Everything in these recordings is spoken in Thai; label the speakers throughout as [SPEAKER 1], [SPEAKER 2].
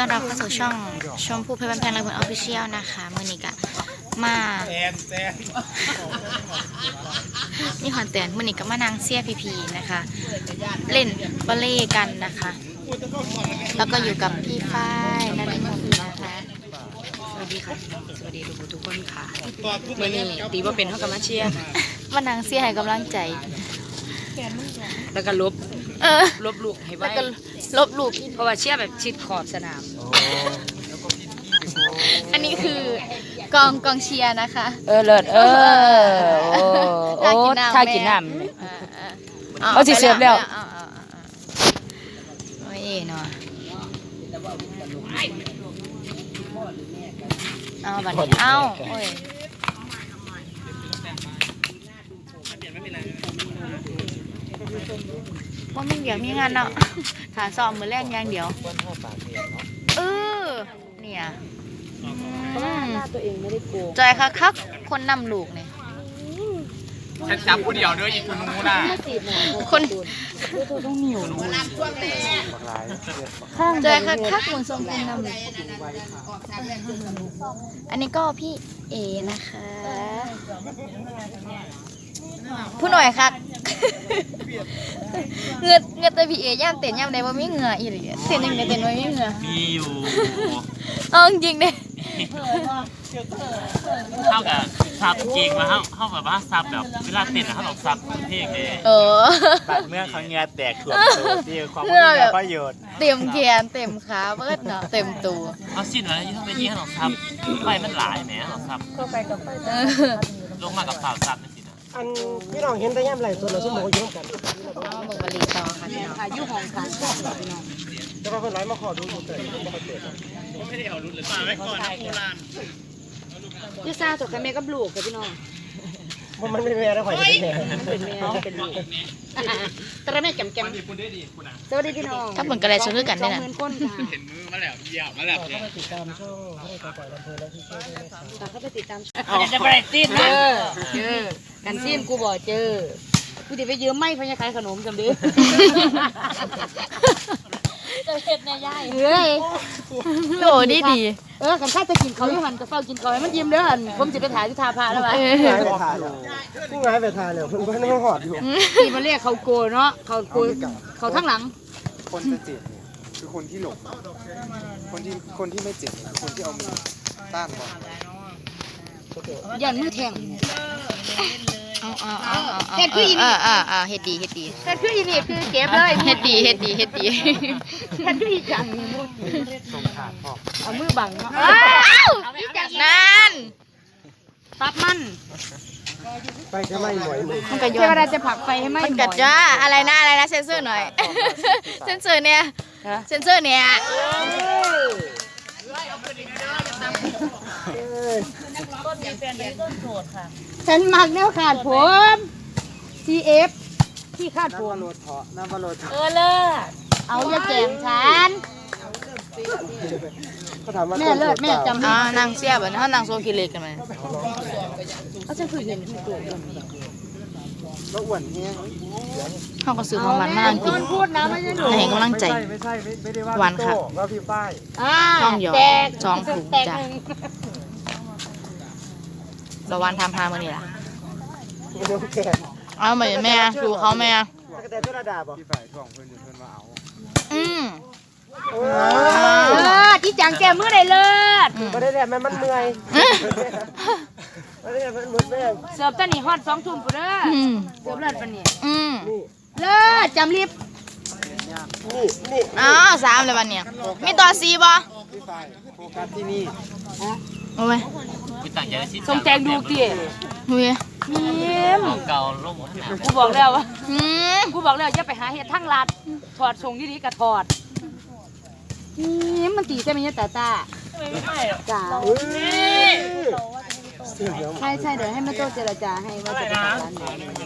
[SPEAKER 1] ต้อนรับเข้าสู่ช่องชมพู่เพชรบ้านแพงและเพื่อนออฟฟิเชียลนะคะมือนี้กะมามีคอนเทนต์มือนี้ก็มานางเซียพีนะคะเล่นบอลเล่กันนะคะ แล้วก็อยู่กับพี่ฝ้ายนันทมนนะคะ
[SPEAKER 2] สวัสดีค่ะสวัสดีทุกคนค่ะมื่อนี้ตีว่าเป็นเท่ากับมาเชียร์
[SPEAKER 1] มานางเซียให้กำลังใจ
[SPEAKER 2] แล้วก็ลบลูกให้
[SPEAKER 1] แล้ว
[SPEAKER 2] ไว้
[SPEAKER 1] ก็ลบลูก
[SPEAKER 2] เพราะว่าเชียร์แบบชิดขอบสนาม
[SPEAKER 1] อันนี้คือกองเชียร์นะคะ
[SPEAKER 2] เลิศโอ้ถ้ากินน้ำเอาสิเสิร์ฟแล้ว
[SPEAKER 1] โอ้ยเนาะเอาบัดนี้เอาโอ้ยว่ามึงเดี๋ยวมีงานเนาะขาซ้อมมือแรกอย่างเดียวเนี่ย
[SPEAKER 2] ตัวเองไม่ได้โกง
[SPEAKER 1] จอยคักคนนำลูกเนี่ย
[SPEAKER 3] ฉันจับผู้เดียวด้วยอีกคนนู้นน่ะ
[SPEAKER 1] คน
[SPEAKER 2] ต้องเหนียว
[SPEAKER 1] จอยคักเหมือนทรงคนนำลูกอันนี้ก็พี่เอนะคะผู้หน่อยคักเงือแต่พี่เอย่ามเต้นย่ามใดว่ามีเหงื่ออีหลีเต้นยังไงเต้นว่ามีเหงื่อ
[SPEAKER 3] มีอยู่
[SPEAKER 1] เอาจริงเด้
[SPEAKER 3] เท่ากับซับจริงมาเท่ากับว่าซับแบบเวลาเต้นนะเขาบอกซับเพลงเลย
[SPEAKER 4] บาดเมื่อเขาเงือแตกถ่วมตัวที่ความมีประโยชน์
[SPEAKER 1] เต็มแขนเต็มขาเบิดเนาะเต็มตัว
[SPEAKER 3] เอาสิ้นอะไรที่ต้องไปที่เขาบอกซับไฟมันหลายแหมเขาบอกซับลงมากับฝ่าซับนี่สินะ
[SPEAKER 4] อันพี่น้องเห็นแต่ย่ำไหลตัวเราชั่วโมงยุ่งกัน
[SPEAKER 1] เอามาเบิ่งบริต่อค่ะพี่น้อง
[SPEAKER 2] อายุของการสอบพี่น้อง
[SPEAKER 4] จะมาเพิ่นไหลมาขอดูอยู่เกิดไม่ค่อยเกิด
[SPEAKER 3] ไม่ได้เอารุ่นเลยฝากไว้ก่อนนะโบราณ
[SPEAKER 2] ยูซาจบกันแม่กับลูกกับพี่น้อง
[SPEAKER 4] มันไม่แม่ได้ข่อยจะเป็นแม่
[SPEAKER 2] เป็นแม่เป็นลูกตระแม่แกมสวัสดีพี่น้อง
[SPEAKER 1] ถ้าเบิ่งกระไรซื้อกันได้น่ะ
[SPEAKER 2] 20,000คนค่ะ
[SPEAKER 3] เห็นมือมาแล้วเยี่ยมมาแล้ว
[SPEAKER 4] เข้าไปติดตามช่องให้ปล่อยลำเพลินและที่ช่วยด้วยนะครับ
[SPEAKER 2] เข้าไปติดตามจะไปซีนเจอกันซีนกูบอกเจอกูจะไปยืมไม้พญาขายขนมจำดิจะเห็ดในย่ายเฮ้ย
[SPEAKER 1] โหดี
[SPEAKER 2] กันข้าจะกินเขาอยู่หันจะเฝ้ากินเขาให้มันยิ้มเด้อหันผมจะไปถ่ายที่ทาพาแล้ววะ
[SPEAKER 4] ง่ายไปทานเลยผู้ง่ายไปทานเลยเพิ่นไม่หอดอยู่
[SPEAKER 2] ที่มาเรียกเขาโกเนาะเขาโกเขาทั้งหลัง
[SPEAKER 5] คนจะเจ็บเนี่ยคือคนที่หลบคนที่ไม่เจ็บเนี่ยคือคนที่เอามือต้านบอล
[SPEAKER 2] ยันมือแทง
[SPEAKER 1] เอาเฮ็ดคืออีนี่เฮ็ดดี
[SPEAKER 2] เฮ็ดคืออีนี่คือเก็บเลย
[SPEAKER 1] เฮ็ดดี
[SPEAKER 2] เฮ็ดคืออีจัง
[SPEAKER 5] ส่งขาดพ่อ
[SPEAKER 2] เอามือบังเนาะ
[SPEAKER 1] นั่น
[SPEAKER 2] ตับมัน
[SPEAKER 4] ไปแค่ไม่หน่อยมือ
[SPEAKER 1] มันก็
[SPEAKER 2] เท
[SPEAKER 1] ย้อ
[SPEAKER 2] วน ดาจะผลักไฟให้ไหม้
[SPEAKER 1] มันกัดจ้าอะไรนะเซ็นเซอร์หน่อยเซ็นเซอร์เนี่ย
[SPEAKER 2] ฉันมักแนวขาดผม CF ที่ขาดผม
[SPEAKER 4] น้ำบอลเถาะน้ำบอลเถาะ
[SPEAKER 2] เลิศเอาอย่าแจงฉัน
[SPEAKER 4] เขาถามว่า
[SPEAKER 2] แม่เลิศแม่จำ
[SPEAKER 1] นางเสียบนางโซคิเล็กกันไหม
[SPEAKER 2] เขาจะคือเห็นที่ตัว
[SPEAKER 4] แล้วอ้วนแห้ง
[SPEAKER 1] เขาก็ซื้อของมันมานั่งกิน
[SPEAKER 2] พูดนะไม่ใช่หนู
[SPEAKER 1] ให้กำลังใจ
[SPEAKER 4] ไม่ได้ว่า
[SPEAKER 1] หวานค่ะ
[SPEAKER 4] ว่าพี่ฝ้าย
[SPEAKER 1] ช่องหยอด
[SPEAKER 2] แตก
[SPEAKER 1] ช่องผูก
[SPEAKER 2] แตก
[SPEAKER 1] จ้ะ
[SPEAKER 2] หนึ่ง
[SPEAKER 1] ระวันทำพามานี่ล่ะ
[SPEAKER 4] น้องแก่
[SPEAKER 1] เอาเหมือนแม่ดูเขาแม่
[SPEAKER 4] แต่ตัวระดับอ่ะ
[SPEAKER 5] พี่ฝ่ายท่วงเพื่อนอยู่เพื่อนมาเอา
[SPEAKER 2] ที่จังแกมือได้เลิศ
[SPEAKER 4] ไม่ได้แบบมันเมื่อยไม่ได้แบบมันหมดแรง
[SPEAKER 2] เสิร์ฟตอนนี้ฮอต2 ทุ่มปุ๊เด้อเสิร์ฟเลิศปะเนี่ย
[SPEAKER 4] นี่
[SPEAKER 2] เลิศจำรีบ
[SPEAKER 4] นี่
[SPEAKER 1] อ้าว3เลยวันเนี้ยมีต่อ4บ่
[SPEAKER 5] พี่ฝ่ายโฟกัสที่นี่
[SPEAKER 1] โอ้ย
[SPEAKER 3] มีต่างใจสิ้น
[SPEAKER 2] ส่งแตงดูเตี๋ย
[SPEAKER 1] เฮ้ย
[SPEAKER 2] ยิ้ม
[SPEAKER 3] เก่าลงหมด
[SPEAKER 2] กูบอกแล้วว่า
[SPEAKER 1] อืม
[SPEAKER 2] กูบอกแล้วอย่าไปหาเห็ดทั้งรัดถอดทรงยี่ดีกับถอดยิ้มมันตีใช่ไหมเนี่ยตาจ้าจ้า
[SPEAKER 4] เสียงเดียว
[SPEAKER 2] ใช่เดี๋ยวให้แม่โจ้เจรจาให้ว่าจะไปทำร้านไหน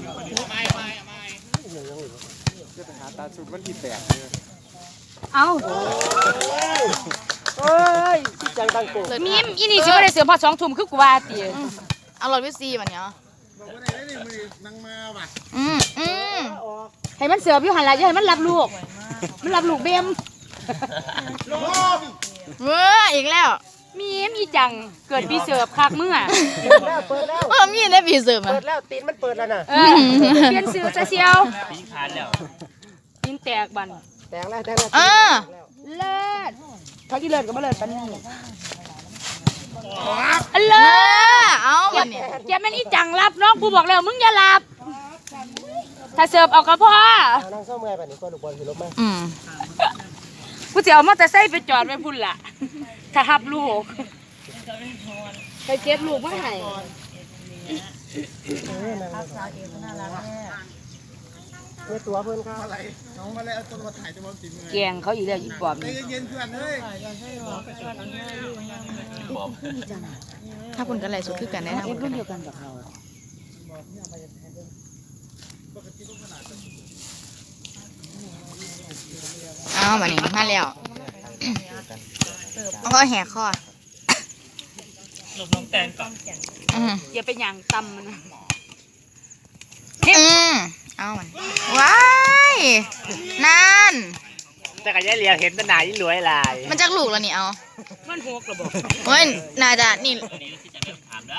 [SPEAKER 5] จะไปหาตาชุดวันที่8เลย
[SPEAKER 2] เอา
[SPEAKER 4] เฮ้ยจังตังโก
[SPEAKER 2] มีมอีนี่สิว่าได้เสือพอ2 ทุ่มคือกูว่าตี
[SPEAKER 1] เอารถวิซีวันเนี้ยอืม
[SPEAKER 2] ให้มันเสืออยู่หันหลังอย่าให้มันรับลูกมันรับลูกเบม
[SPEAKER 1] เว้ออีกแล้ว
[SPEAKER 2] มีจังเกิดปีเสิร์ฟคักเมื่อ
[SPEAKER 5] เปิดแล้ว
[SPEAKER 1] มีได้ปีเสริมอ่ะ
[SPEAKER 5] เปิดแล้วตีนมันเปิดแล้วน่ะ
[SPEAKER 2] เปลี่ยนซื้อซะเชียว
[SPEAKER 3] ปีขาดแล้ว
[SPEAKER 2] ยิงแตกบัน
[SPEAKER 5] แตงแล้ว
[SPEAKER 2] เลิศเขาที่เลิศก็มาเลิศปันนี่
[SPEAKER 1] เลิศเอาวันนี้
[SPEAKER 2] แกแม่นอีจังรับน้องกูบอกแล้วมึงอย่ารับ ถ้าเสิร์ฟเอากระเพาะ
[SPEAKER 5] นั่งเศร้าเมื่อยแบบนี้ก็ลูกบอลคือลบไหม
[SPEAKER 2] กูจะเอามอเตอร์ไซค์ไปจอดไว้พุ่นล่ะ ถ้าหับลูกไปเก็บลูกมาให้
[SPEAKER 5] เมื่อตัวเพื่อนเขา
[SPEAKER 2] แกงเขาอีกแล้วอีปอบนี่
[SPEAKER 1] ถ้าคุณกันไรสุดคือกันแน่นอน
[SPEAKER 2] เอ็มรุ่นเดียวกันกับเขา
[SPEAKER 1] เอาวันนี้มาแล้วแล้วก็แหกคอ
[SPEAKER 3] ลบน้องแตงก่อน
[SPEAKER 2] อย่าไปหยั่งตำมันนะ
[SPEAKER 1] เอามันว้ายนั่น
[SPEAKER 4] แต่กับยายเหลียวเห็นแตหนายิ่งรวยลาย
[SPEAKER 1] มันจักลูกแล้วนี่เอา
[SPEAKER 2] มันหกระบอก
[SPEAKER 1] เฮ้ยน่าจะนี่
[SPEAKER 3] ตัวนี้ที่จะเริ่มถามนะ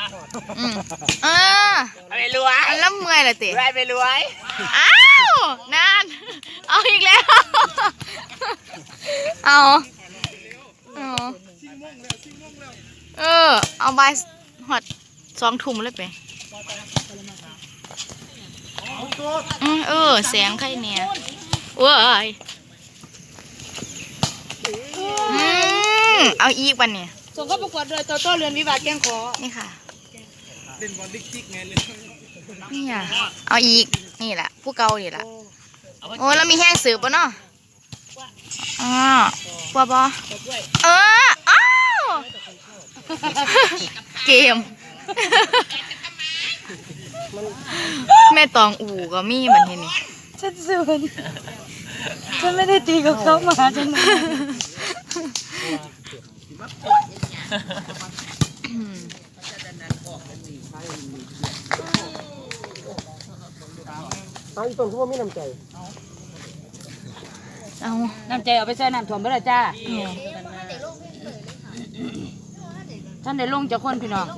[SPEAKER 4] ไม่รวย
[SPEAKER 1] อันละเมื่อยเลยติ
[SPEAKER 4] รวยไม่รวย
[SPEAKER 1] อ้าวนั่นเอาอีกแล้วเอาเอาใบหอด2 ทุ่มเลยไปแสงใครเนี่ยเว้ยเอาอีกวันเนี่ย
[SPEAKER 2] ส่งเข้าประกวดเลยโตโต้เรือนวิวาแกงขอ
[SPEAKER 1] นี่ค่ะนี่อ่ะเอาอีกนี่แหละผู้เก่านี่แหละโอ้แล้วมีแห้งสืบป่ะเนาะปัวบออ้าวเกมแม่ตองอู่ก็มีบันเทนี่
[SPEAKER 2] ฉันสูนฉันไม่ได้ตีกับเขามาฉัน
[SPEAKER 5] เอาอีต้นเขาว่ามีน้ำใจ
[SPEAKER 1] เอา
[SPEAKER 2] น้ำใจเอาไปใส่น้ำถ่วมไปเลยจ้าท่านได้ลงจากคนพี่น้อง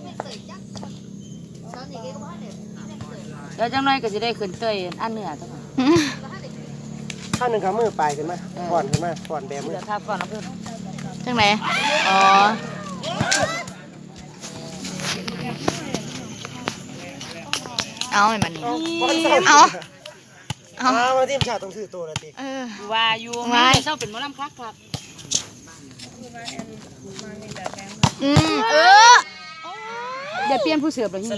[SPEAKER 2] เดี๋ยวจังน้อยก็จะได้ขึ้นเตยอันเหนือทั้งหมด
[SPEAKER 5] ข้างหนึ่งขามือปลายขึ้นมาก่อนขึ้นมาก่อนแบมือ
[SPEAKER 2] เดี๋ยวทับก่อนนะเพื่อน
[SPEAKER 1] จังไหนอ๋อเอาไอ้มันนี่เอา
[SPEAKER 5] มาทีมชาติต้องซื้อตัวละติ
[SPEAKER 2] ว่าอยู่ไม่ได้เศร้าเป็นหมอลำคักครับ อย่าเปลี่ยนผู้เสือบเลยนี่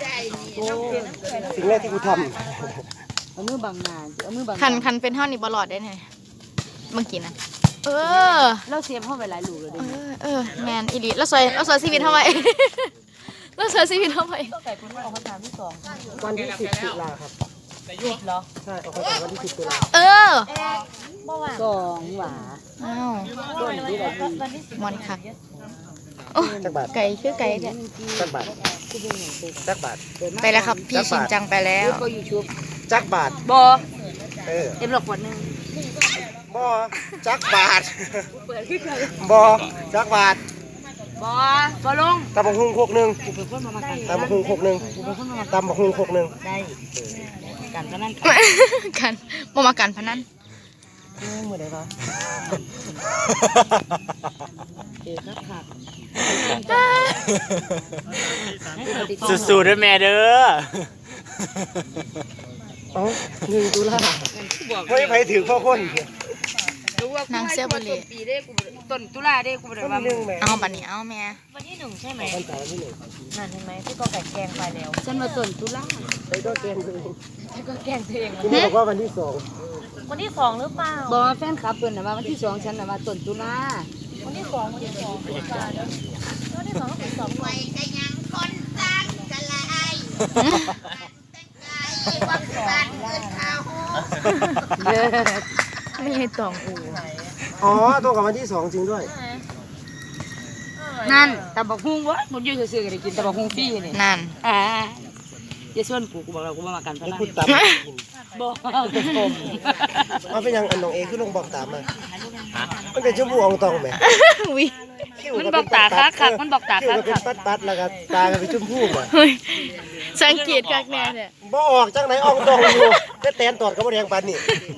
[SPEAKER 5] สิ่งแรกที่กูท
[SPEAKER 2] เอามือบังหน้าเอามือบัง
[SPEAKER 1] คันเป็นเท่านี้บอลอดได้ไงเมื่อกี้นะ
[SPEAKER 2] เราเสียบเข้าไปหลายลูกเลยดิ
[SPEAKER 1] แมนอีลีแล้วสวยชีวิตทำไม แล้วสวยชีวิตทำไม
[SPEAKER 2] ไก่คุณออกมาถามที่2
[SPEAKER 5] ำวันที่10 ตุลาครับ
[SPEAKER 2] เหรอ
[SPEAKER 5] ใช่ออกมาวันที่10 ตุลา
[SPEAKER 2] 2 หวา
[SPEAKER 1] อ้าว
[SPEAKER 2] ต้นที่ไหนดี
[SPEAKER 1] มอนค่ะ
[SPEAKER 5] จักบาท
[SPEAKER 1] ไก่คือไก่เนี่ย
[SPEAKER 5] จักบาทจักบาท
[SPEAKER 1] ไปแล้วครับพี่ชินจังไปแล้ว
[SPEAKER 2] ก็ยูทูบ
[SPEAKER 5] จักบาท
[SPEAKER 2] บอ
[SPEAKER 5] เออ
[SPEAKER 2] เอ็มหลอกขวดนึง
[SPEAKER 5] บ่จักบาท
[SPEAKER 2] เปิดขึ้นเลย
[SPEAKER 5] บ่จักบาท
[SPEAKER 2] บอลง
[SPEAKER 5] ตำบักหุ่ง6 1
[SPEAKER 2] กูเป็นคนมากัน
[SPEAKER 5] ตำบักหุ่ง6 1
[SPEAKER 2] กูเป็นคนมา
[SPEAKER 5] ตำบักหุ่ง6 1
[SPEAKER 2] ได้กันก็นั่น
[SPEAKER 1] กันบ่มากันพนัน
[SPEAKER 5] มือไหนคะ
[SPEAKER 2] เอ๋ครับค่ะ
[SPEAKER 4] สู้ๆด้วยแม่เด้อ
[SPEAKER 5] เอ้า1 ตุลาไม่ไปถึงพ่อคน
[SPEAKER 1] นางเสื้อบริ
[SPEAKER 2] ปีได้กูต้นตุลาได้กูได้
[SPEAKER 5] วัน
[SPEAKER 2] ว่า
[SPEAKER 5] ที่1แม่
[SPEAKER 1] เอาบัดนี้เอาแม่
[SPEAKER 2] วันที่1ใช่ไหม
[SPEAKER 5] วันเสาร์ที่1
[SPEAKER 2] นั่นเห็นไหมที่ก็แกแกงไปแล้วฉันมาต้นตุลา
[SPEAKER 5] ไปก็เกมตัวเอง
[SPEAKER 2] ที่ก็แกงตัวเอง
[SPEAKER 5] คุณแม่บอกว่าวันที่
[SPEAKER 2] วันที่2หรือเปล่าบอกแฟนคลับเพิ่นน่ะว่าวันที่2ฉันน่ะมาต้นตุลาวันที่2วันที่2วันที่2ต้องเป็น2
[SPEAKER 6] ไว้ก็ยังคนสร้างกะลายความสั่นเกินข้าว
[SPEAKER 1] ไม่ให้ตองอู
[SPEAKER 5] 2อ๋อตรงกับวันที่2จริงด้วย
[SPEAKER 2] นั่นตำบักหุ่งวะมันอยู่ซื่อๆก็ได้กินตำบักหุ่งฟรีนี่
[SPEAKER 1] นั่น
[SPEAKER 2] อย่าส่วนกูบอกเรากูบ่มากันพ
[SPEAKER 5] แล้ว
[SPEAKER 2] นัน
[SPEAKER 5] พูดตามกิน
[SPEAKER 2] บ่เป็นผม
[SPEAKER 5] เอาเป็นยังอันน้องเอคือลงบอกตามมามันเป็นชั่วโมงตองไหม
[SPEAKER 1] วิ
[SPEAKER 2] มันบอกตาคักมันบอกตา
[SPEAKER 7] คิ้ว
[SPEAKER 2] คั
[SPEAKER 7] ก็เป็นปัดๆแล้วก็ตาก็เป็นชมพูอ่ะ
[SPEAKER 1] เฮ้ยสังเกตกักแน่เนี่ย
[SPEAKER 7] บ่ออกจังไหนออกตรงอยู่แต่แตนตอดก็บ่แดงปานนี่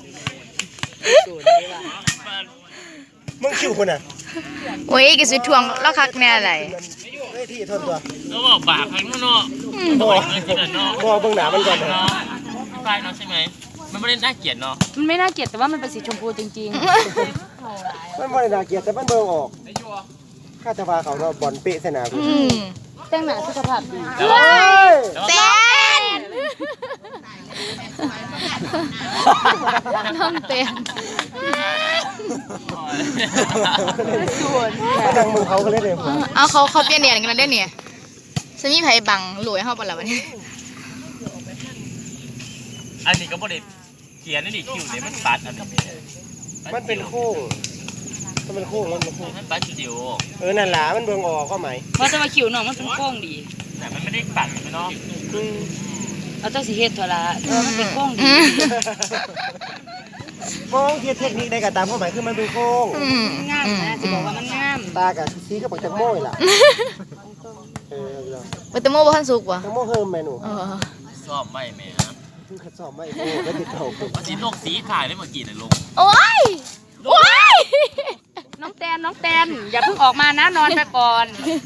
[SPEAKER 7] มึงคิ้วคนน่ะ
[SPEAKER 1] โอ้ยกิสิทวงแล้วคักแน่อะไร
[SPEAKER 7] เฮ้ยที่ทนตัว
[SPEAKER 3] แล้วบอกบาปครั้งนู้นเนาะ
[SPEAKER 7] บ่
[SPEAKER 3] บอกเงินที่นั่นเนาะ
[SPEAKER 7] บ่เบิ่งหน้ามันก่อนนะ
[SPEAKER 3] เนาะใช่เนาะใช่ไหมมันไม่ได้น่าเกลียดเนาะ
[SPEAKER 2] มันไม่น่าเกลียดแต่ว่ามันเป็นสีชมพูจริง
[SPEAKER 7] มันบ่ได้น่าเกลียดแต่มันเบิ่งออกข้าจะว่าเขาเนาะบอลเป๊ะใส่หน้ากู
[SPEAKER 2] ๆแต่งหน้าสุขภาพดี
[SPEAKER 3] แต่ว่า
[SPEAKER 1] แตนน้องเต้น
[SPEAKER 7] นั่งมึงเขาก็เลยเด้
[SPEAKER 1] เอาเขาเปลี่ยนเนียนกันแล้วได้เนี่ยฉันมีไผบังหลวยเฮาบ่ล่ะวันนี้
[SPEAKER 3] อันนี้ก็บ่ได้เขียนนี่คิวเนี่ยมันปัดอันนี้
[SPEAKER 7] มันเป็นโค้งมันเป็นโค้งมันเป็นโค้ง
[SPEAKER 3] มันปัดจิ๋ว
[SPEAKER 7] นั่นล่ะมันเบิ่งออกก็หมาย
[SPEAKER 2] เพราะจะมาคิวน้องมันเป็นโค้งดี
[SPEAKER 3] แต่มันไม่ได้ปัดเนาะ
[SPEAKER 2] เอาเจ้าสีเฮ็ดเถอะละเออมันเป็นโค้งดี
[SPEAKER 7] มองเทียบเทคนิคได้ก็ตามความหมายคือมันเป็นโค้ง
[SPEAKER 2] งามนะจะบอกว่ามันงาม
[SPEAKER 7] ตากับสีก็ปักจักโม้ยล่ะเออ
[SPEAKER 1] เบตโมบ่ทันสุกว่ะ
[SPEAKER 7] จักโม้เฮิมแม่หนู
[SPEAKER 3] ชอบไม่แม่
[SPEAKER 7] คือขัดสอบไม่โม้แล้วติดเข่าคือ
[SPEAKER 3] มันสีโลกสีขายได้เมื่อกี้น่ะลง
[SPEAKER 1] โอ้ยโอ้ย
[SPEAKER 2] น้องแตนอย่าเพิ่งออกมานะนอนไปก่อน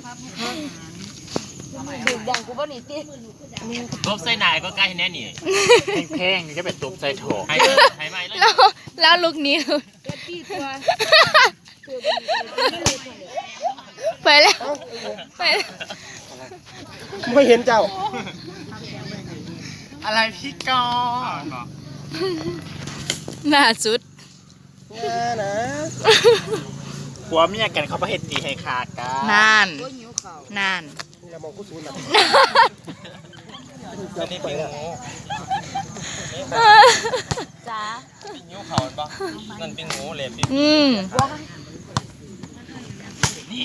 [SPEAKER 2] ดื่มดังกูบ่หนีติ
[SPEAKER 3] รบใส่นายก็ใกล้แน่นี่
[SPEAKER 4] แข้งๆนี่ก็เป็นตุบใส่โถ
[SPEAKER 3] ให้ไม่เลย
[SPEAKER 1] แล้วลูกนี้ไปแล้วไปแล้ว
[SPEAKER 7] ไม่เห็นเจ้า
[SPEAKER 4] อะไรพี่กอ
[SPEAKER 1] หน้าสุด
[SPEAKER 7] นะ
[SPEAKER 4] ผัวเมียกันเขาประเฮ็ดตีให้ขาดกัน
[SPEAKER 1] นานนาน
[SPEAKER 7] นี่เรามองกูซูนย์แบบ
[SPEAKER 4] อันนี้เป็นงู
[SPEAKER 2] จ้า
[SPEAKER 3] เป็นนิ้วเขาปะนั่นเป็นงูเลยพี่
[SPEAKER 1] อืม
[SPEAKER 3] นี่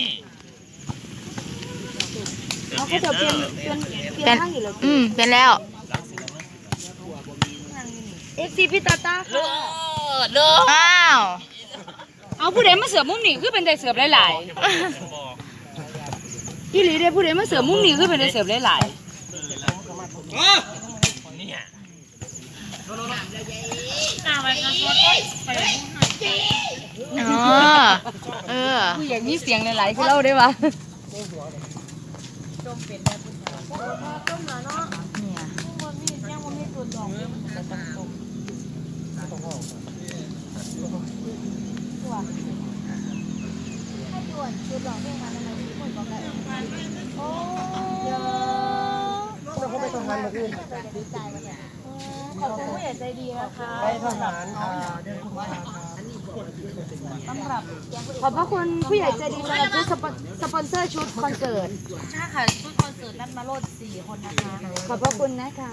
[SPEAKER 2] เอาเขาจะเปลี่ยน
[SPEAKER 1] เป็น
[SPEAKER 2] ข้างอยู่แล้ว
[SPEAKER 1] เป็นแล้ว
[SPEAKER 2] FC พี่ตาตา
[SPEAKER 3] เลิศเลิศ
[SPEAKER 1] อ้าว
[SPEAKER 2] เอาผู้ใดมาเสือมุมนี่คือเป็นได้เสือบหลายๆอีหลีเด้ผู้ใดมาเสือมุมนี่คือเป็นได้เสือบหลาย
[SPEAKER 3] เนี่ย
[SPEAKER 1] อ๋อเออ
[SPEAKER 2] ๆผู้ใหญ่มีเสียงหลายๆคือเราได้ปะ
[SPEAKER 7] เขาไปทหารมาขึ้น
[SPEAKER 2] ขอบคุณผู้ใหญ่ใจดีนะคะ
[SPEAKER 7] ไปทหาร
[SPEAKER 2] ขอบพระคุณผู้ใหญ่ใจดีสำหรับชุดสปอนเซอร์ชุดคอนเสิร์ต
[SPEAKER 6] ใช่ค่ะชุดคอนเสิร์ตนัดมาโลด4 คนนะคะ
[SPEAKER 2] ขอบพระคุณนะคะ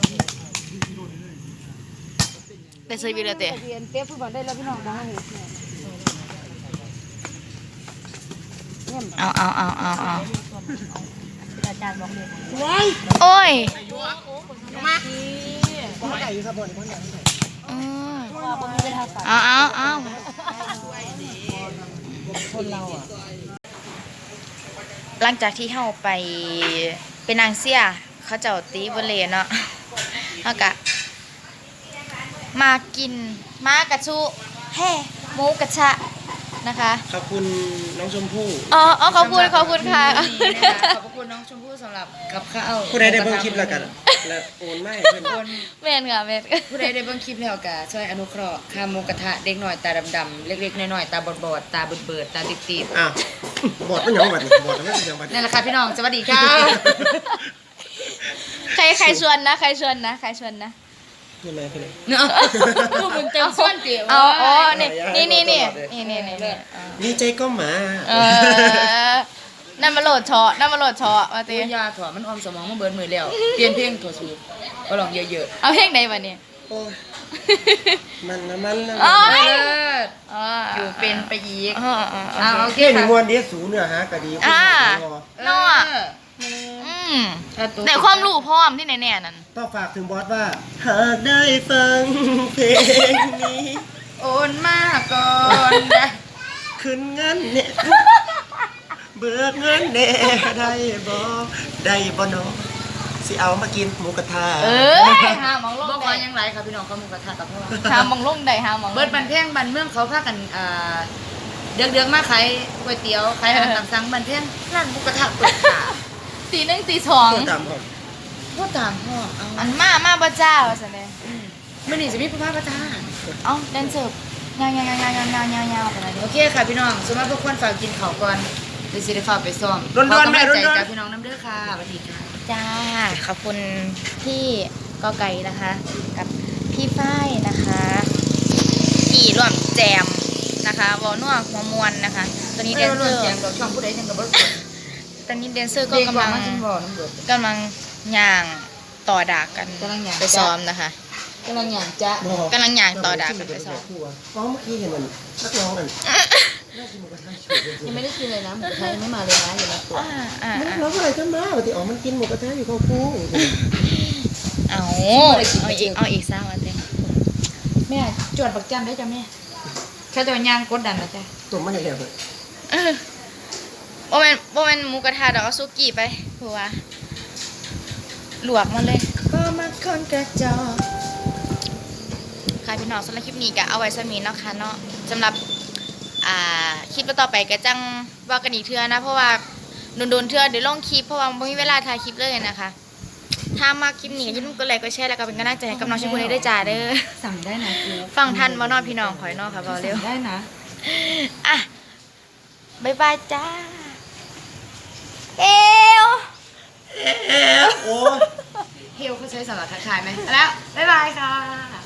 [SPEAKER 1] ได้เซอร์วิสแล้วเตะ
[SPEAKER 2] เรียนเต้ฟุตบอลได้แล้วพี่น้องบ้างเนี่ย
[SPEAKER 1] เอา
[SPEAKER 6] อาจารย์บอกเลย
[SPEAKER 1] โอ้ย
[SPEAKER 7] คนใหญ่อยู่ครับบนคนใหญ่
[SPEAKER 1] เอา หลังจากที่เฮาไปเป็นนางเสียเขาเจ้าตีบเลเนาะเฮากะมากินมากระชุแห่หมูกระชะนะคะ
[SPEAKER 7] ขอบคุณน้องชมพู่
[SPEAKER 1] อ๋อขอบคุณค่ะขอบคุณน้องชมพู่สำหรับกับข้าว
[SPEAKER 7] ผู้ใดได้เบิ่งคลิปแล้วกันแล้วโอนไม่เพิ่น
[SPEAKER 1] แม่นค่ะแม่น
[SPEAKER 2] ผู้ใดได้เบิ่งคลิปแล้วก็ช่วยอนุเคราะห์ค่าหมูกระทะเด็กหน่อยตาดำๆเล็กๆน้อยๆตาบอดๆตาเบิดๆตาติด
[SPEAKER 7] อ้าวบอดมันหยังบัดนี่บอดมันเป็นหยังบัด
[SPEAKER 2] ๆ
[SPEAKER 7] นี่
[SPEAKER 2] นั่นแหละค่ะพี่น้องสวัสดีค่ะ
[SPEAKER 1] ใครชวนนะ
[SPEAKER 7] คืออะไรคืออะไร
[SPEAKER 2] เนาะผู้บุญเต็มส่วนเดียว
[SPEAKER 1] อ๋อนี่
[SPEAKER 7] ดีใจก็มา
[SPEAKER 1] นั่นมาโหลดเชาะมาตี
[SPEAKER 2] ตัวยาถั่วมันออมสมองมาเบิดมือแล้วเปลี่ยนเพลงถั่วสูบก็ลองเยอะ
[SPEAKER 1] เอาเพลงไหนมาเนี่ย
[SPEAKER 7] โอ้ยมันนะ
[SPEAKER 1] อ๋
[SPEAKER 2] ๆ
[SPEAKER 1] อ
[SPEAKER 2] อยู่เป็นไปอีก
[SPEAKER 1] โอเค
[SPEAKER 7] เกี่ยนี่มวนเดีสูเนื้อหาก็ดี
[SPEAKER 1] นอแต่ความรู้พร้อมที่แน่ๆนั่น
[SPEAKER 7] ต้องฝากถึงบอสว่าหากได้ฟังเพลงนี้
[SPEAKER 2] โอนมาก่อนได้
[SPEAKER 7] คืนงั้นเนี่ยเบิกเงินแน่ได้บ่ได้บ่เนาะสิเอามากินหมูกระทะ
[SPEAKER 1] หามองลง
[SPEAKER 2] บ่ขอ
[SPEAKER 1] ได้
[SPEAKER 2] ยังไรค่ะพี่น้องเขาหมูกระทะกับพ่อ
[SPEAKER 1] หามองลงได้หามอง
[SPEAKER 2] เบิดบันแพงบันเมืองเขาพากันเดือกๆมาขายก๋วยเตี๋ยวขายอาหารตามสั่งบันแพงร้านหมูกระทะเปิดค่ะ
[SPEAKER 1] ตีหนึ่งตีสอง
[SPEAKER 7] ตามผม
[SPEAKER 2] พ่อตามพ่อเอา
[SPEAKER 1] อันมาบ่เจ้าว่าซั่นเด้
[SPEAKER 2] มื่อนี้จะมีผู้พาประทาน
[SPEAKER 1] เอ้าแดนเสิร์ฟยาวๆๆๆๆๆไปเลย
[SPEAKER 2] โอเคค่ะพี่น้องสมมติพวกคนฝากกินข้าวก่อนเดี๋ยวสิได้ฝากไปซ้อม
[SPEAKER 7] ด่วนๆแม่
[SPEAKER 2] ขอกำลังใจ
[SPEAKER 7] ด่วนๆ
[SPEAKER 2] จากพี่น้องน้ำเด้อค่ะสวัสดีค่ะ
[SPEAKER 1] จ้าขอบคุณพี่กอไก่นะคะ กับพี่ฝ้ายนะคะที่ร่วมแจมนะคะวอลนัวหัวมวนนะคะ ตอนนี้แดนเซอร์
[SPEAKER 2] แจงดอกช่องผู้ใดจังกับบ่รู้
[SPEAKER 1] ตอนนี้แดนเซอร์ก็
[SPEAKER 2] เด็ก
[SPEAKER 1] กำ
[SPEAKER 2] ว่า
[SPEAKER 1] ลัง
[SPEAKER 2] มาจังบ่น้ำเดือด
[SPEAKER 1] กำลังย่างต่อดากกัน
[SPEAKER 2] กำลังย่าง
[SPEAKER 1] ไปซ้อมนะคะ
[SPEAKER 2] กำลังอย่างจ๊ะ
[SPEAKER 1] กำลังย่างต่อดากกันไปซ้อม
[SPEAKER 7] อ๋อเมื่อกี้เห็นมันนักร้องนั่น
[SPEAKER 2] ยังไม่ได้กินเลยนะหมูกระทะยังไม่มาเลยนะอยู่นะตัว
[SPEAKER 7] มันร้องอะไรกันมาปกติอ๋อมันกินหมูกระทะอยู่เขาคู่
[SPEAKER 1] เอาอีกซะวันเต็ม
[SPEAKER 2] แม่จวดปักจันได้จ้ะแม่แค่ตัวย่างกดดันนะจ๊ะ
[SPEAKER 7] ตัวมันอย่างไร
[SPEAKER 1] โบแมนหมูกระทะดอกเอาซุกี้ไปผัวหลวกมันเลย
[SPEAKER 2] ก็มาคนกระจอก
[SPEAKER 1] ค่ะพี่น้องสำหรับคลิปนี้ก็เอาไว้สมีเนาะค่ะเนาะสำหรับคลิปต่อไปก็จังว่ากันอีกเทื่อนะ เพราะว่าโดนๆเทื่อเดี๋ยวลงคลิปเพราะว่าไม่มีเวลาถ่ายคลิปเลยนะคะ ถ้ามาคลิปนี้อย่าลืมกดไลค์กดแชร์แล้วก็เป็นกำลังใจให้กับน้องชมพู่ได้ด้วยจ้าเด้อ
[SPEAKER 2] สั่งได้นะกู
[SPEAKER 1] ฟังทันบ่เนอพี่น้องขอยเนอค่ะบอกเร็ว
[SPEAKER 2] สั่งได้นะ
[SPEAKER 1] อ่ะบ๊ายบายจ้าเอว
[SPEAKER 7] โอ้
[SPEAKER 2] เฮลเขาใช้สำหรับทักทายไหมแล้วบ๊ายบายค่ะ